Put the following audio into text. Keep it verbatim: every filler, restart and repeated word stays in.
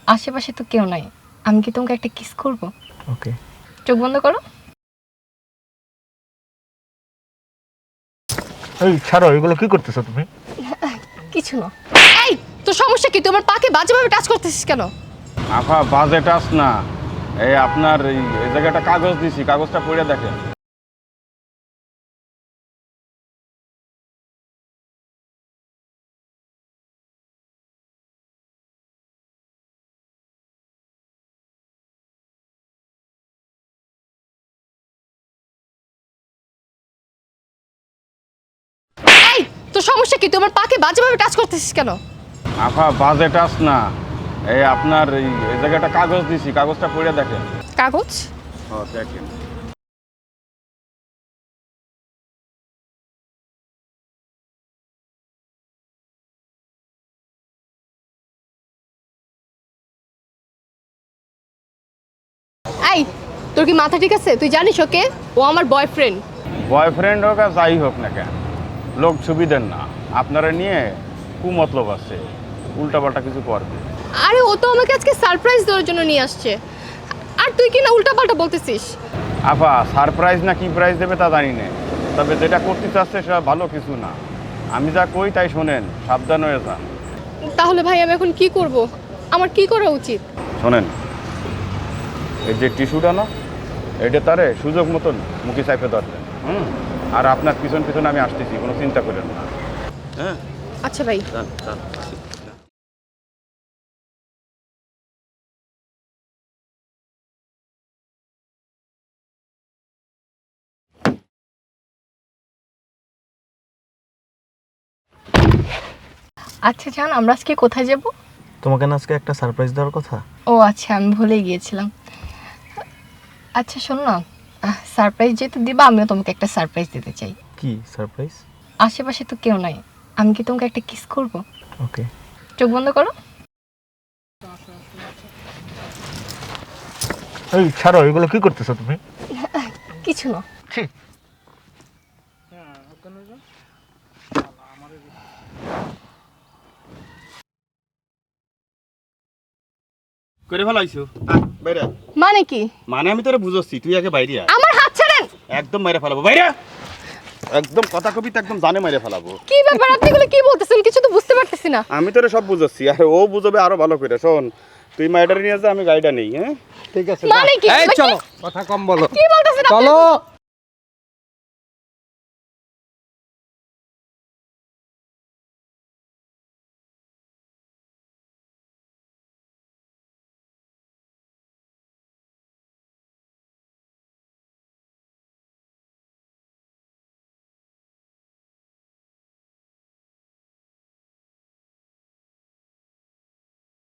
আশেপাশে তো কেউ নাই, আমি কি তোমাকে একটা কিস করব? ওকে। চোখ বন্ধ করো। এই ছাড়ো, এগুলো কি করতেছো তুমি? কিছু না। এই তোর সমস্যা কি? তোমার পাকে বাজেভাবে টাচ করতেছিস কেন? আফা বাজে টাচ না, এই আপনার এই এই জায়গাটা কাগজ দিছি, কাগজটা পড়ে দেখেন। এই তোর সমস্যা কি? তোমার পাকে বাজেভাবে টাচ করতেছিস কেন? আফা বাজে টাচ না, এই আপনার এই এই জায়গাটা কাগজ দিছি, কাগজটা পড়ে দেখেন। কাগজ? হ্যাঁ দেখেন। এই তোর কি মাথা ঠিক আছে? তুই জানিস ওকে? ও আমার বয়ফ্রেন্ড। বয়ফ্রেন্ড হোক আর যাই হোক না কেন, লোক সুবিধের না, আপনারা নিয়ে কুমতলব আছে, উল্টাপাল্টা কিছু করবে। আরে ও তো আমাকে আজকে সারপ্রাইজ দেওয়ার জন্য নিয়ে আসছে, আর তুই কি না উল্টাপাল্টা বলতেছিস? আফা সারপ্রাইজ না কি প্রাইজ দেবে তা জানি না, তবে যেটা করতে চাচ্ছে সেটা ভালো কিছু না। আমি যা কই তাই শোনেন, সাবধান হয়ে যান। তাহলে ভাই আমি এখন কি করব? আমার কি করা উচিত? শোনেন, এই যে টিস্যুটা না, এটা তারে সুযোগ মতন মুখে চাইপে ধরবেন। হুম, আর আপনার পিছন পিছন আমি আসতেছি, কোনো চিন্তা করেন না। হ্যাঁ আচ্ছা ভাই। যান, যান। আচ্ছা জান, আমরা আজকে কোথায় যাব? তোমাকে না আজকে একটা সারপ্রাইজ দেওয়ার কথা। ও আচ্ছা, আমি ভুলে গিয়েছিলাম। আচ্ছা শোনো না, সারপ্রাইজ যেহেতু দিবা, আমিও তোমাকে একটা সারপ্রাইজ দিতে চাই। কি সারপ্রাইজ? আশেপাশে তো কেউ নাই, আমি কি তোমাকে একটা কিস করব? ওকে। চোখ বন্ধ করো। এই ছাড়ো, এগুলো কি করতেছো তুমি? কিছু না। ছি। করে ফেলাইছো বাইরে। মানে কি? মানে আমি তোরে বুঝাচ্ছি, তুই আগে বাইরে আয়। আমার হাত ছাড়েন। একদম মেরে ফেলাবো বাইরে। একদম কথা কবি তো একদম জানে মেরে ফেলাবো। কি ব্যাপার, আপনি এগুলো কি বলতেছেন? কিছু তো বুঝতে পারতেছি না। আমি তোরে সব বুঝাচ্ছি, আর ও বুঝবে আরো ভালো করে। শোন, তুই মাইডার নিয়ে যা, আমি গাড়িটা নেই। হ্যাঁ ঠিক আছে। মানে কি? এই চলো, কথা কম বলো। কি বলতেছেন আপনি? চলো।